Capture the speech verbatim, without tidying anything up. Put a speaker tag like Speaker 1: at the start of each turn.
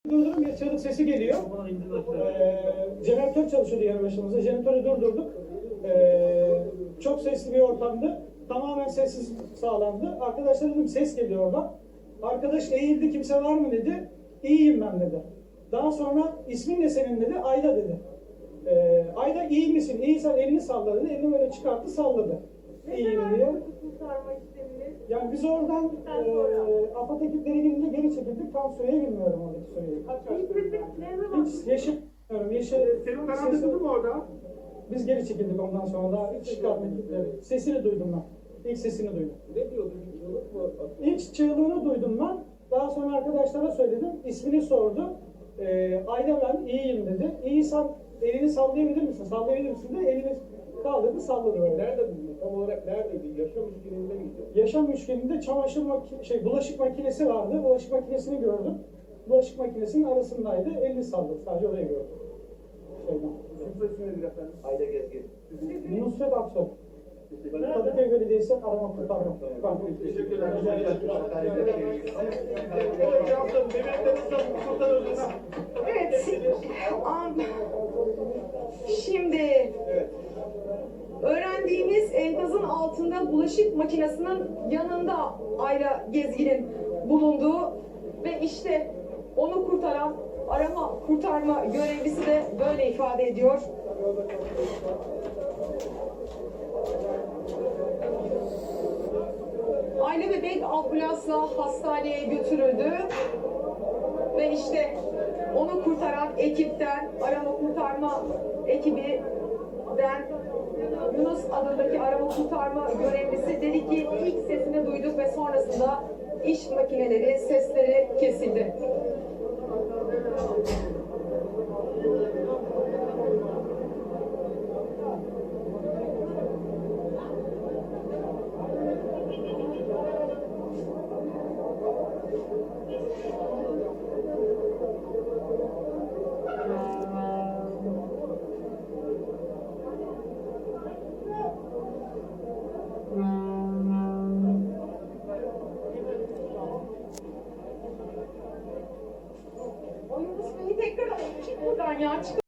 Speaker 1: Durdurdum, bir çığlık sesi geliyor. Ee, jeneratör çalışıyordu yanı başımızda. Jeneratörü durdurduk. Ee, çok sesli bir ortamdı. Tamamen sessiz sağlandı. Arkadaşlar dedim ses geliyor oradan. Arkadaş eğildi, kimse var mı dedi. İyiyim ben dedi. Daha sonra ismin ne senin dedi. Ayda dedi. Ee, Ayda iyi misin? İyiysen elini salla dedi. Elini böyle çıkarttı salladı. İyiyim diye. Yani biz oradan e, AFAD ekipleri gelince geri çekildik. Tam süreyi bilmiyorum oradaki süreyi. Kaç kaç Hiç yaşamıyorum. Yaşı,
Speaker 2: Senin kanal tutuldu mu orada?
Speaker 1: biz geri çekildik ondan sonra daha ilk çıkartma ekipleri. Sesini duydum ben. İlk sesini duydum.
Speaker 2: Ne diyordu? Çığlık mı?
Speaker 1: İlk çığlığını duydum ben. Daha sonra arkadaşlara söyledim. İsmini sordu. Ee, Ayda ben iyiyim dedi. İyiysen elini sallayabilir misin? Sallayabilir misin de elini kaldırdı salladı böyle.
Speaker 2: Nerede buldun? Tam olarak neredeydi? Yaşam üçgeninde miydi?
Speaker 1: Yaşam üçgeninde çamaşır maki şey bulaşık makinesi vardı. Bulaşık makinesini gördüm. Bulaşık makinesinin arasındaydı. Elini salladı. Sadece orayı gördüm. Şeyden.
Speaker 2: Sizin ismi nedir efendim?
Speaker 3: Ayda Gezgin.
Speaker 1: Nusret Aksoy. Kadıköy Belediyesi arama kurtarma.
Speaker 2: Teşekkürler.
Speaker 4: Evet. Am- Şimdi öğrendiğimiz enkazın altında bulaşık makinesinin yanında Ayla Gezgin'in bulunduğu ve işte onu kurtaran arama kurtarma görevlisi de böyle ifade ediyor. Ayla bebek ambulansla hastaneye götürüldü ve işte onu kurtaran ekipten, arama kurtarma ekibinden Yunus adındaki arama kurtarma görevlisi dedi ki ilk sesini duyduk ve sonrasında iş makineleri sesleri kesildi. O Yunus Bey'i tekrar alalım. Çık buradan ya. Çık.